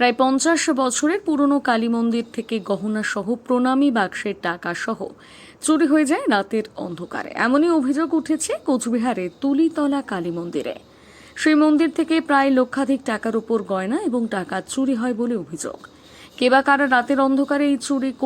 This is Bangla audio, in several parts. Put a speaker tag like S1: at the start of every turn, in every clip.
S1: প্রায় 50 বছরের পুরনো কালী মন্দির থেকে গহনা সহ প্রণামী বাক্সের টাকা সহ চুরি হয়ে যায় রাতের অন্ধকারে। এমনই অভিযোগ উঠেছে কোচবিহারে তুলিতলা কালী মন্দিরে। সেই মন্দির থেকে প্রায় লক্ষাধিক টাকার উপর গয়না এবং টাকা চুরি হয় বলে অভিযোগ। কে বা কারা রাতের অন্ধকারে এই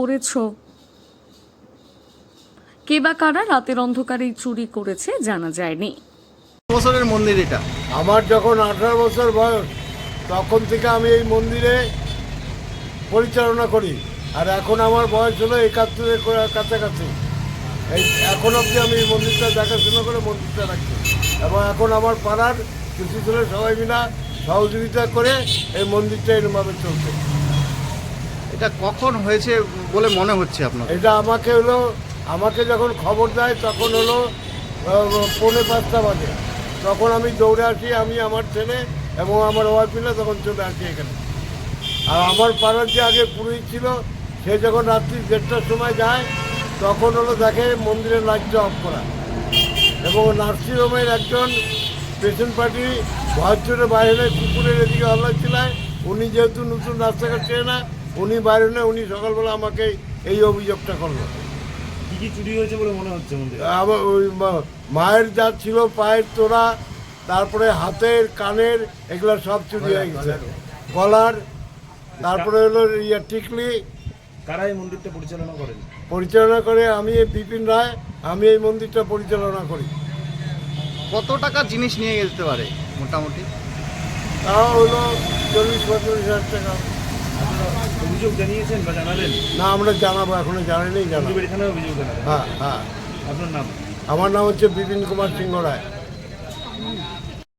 S1: চুরি করেছে জানা যায়নি।
S2: বছরের মন্দির এটা।
S3: আমার যখন 18 বছর বয়স তখন থেকে আমি এই মন্দিরে পরিচালনা করি, আর এখন আমার বয়স হলো 71-এর কাছাকাছি। এখন অবধি আমি এই মন্দিরটা দেখাশোনা করে মন্দিরটা রাখছি, এবং এখন আমার পাড়ার কিছু ছেলে সবাই মিলে সহযোগিতা করে এই মন্দিরটা এরকমভাবে চলছে।
S2: এটা কখন হয়েছে বলে মনে হচ্ছে আপনার?
S3: এটা আমাকে যখন খবর দেয় তখন হলো 4:45 বাজে। তখন আমি দৌড়ে আসি, আমি আমার ছেলে এবং আমার ওয়াইফ মিলে তখন চলে আসি এখানে। আর আমার পাড়ার যে আগে পুরোহিত ছিল সে যখন রাত্রি 1:30টার সময় যায় তখন হলো দেখে মন্দিরের লাইটটা অফ করা, এবং নার্সিংহোমের একজন পেশেন্ট পার্টি ভয় চড়ে বাইরে কুকুরের এদিকে হল্লা ছিলায়। উনি যেহেতু নতুন রাস্তাঘাট চেয়ে না, উনি বাইরে নেই, উনি সকালবেলা আমাকে এই অভিযোগটা করলো।
S4: কি কি চুরি হয়েছে বলে মনে হচ্ছে মন্দিরে?
S3: আবার ওই মায়ের যা ছিল পায়ের তোড়া, তারপরে হাতের কানের এগুলো সব চুরি হয়ে গেছে, গলার, তারপরে হলো টিকলি।
S4: কারা এই মন্দিরটা
S3: পরিচালনা করে আমি বিপিন রায়, আমি এই মন্দিরটা পরিচালনা করি।
S2: কত টাকা জিনিস নিয়ে যেতে পারে মোটামুটি?
S3: তাও হলো 40-45 হাজার টাকা।
S4: অভিযোগ জানিয়েছেন বা জানালেন?
S3: না, আমরা জানাবো, এখনো জানাইনি, জানাবো।
S4: এখানে অভিযোগ জানালেন?
S3: হ্যাঁ হ্যাঁ।
S4: আপনার নাম?
S3: আমার নাম হচ্ছে বিপিন কুমার সিংহ রায়।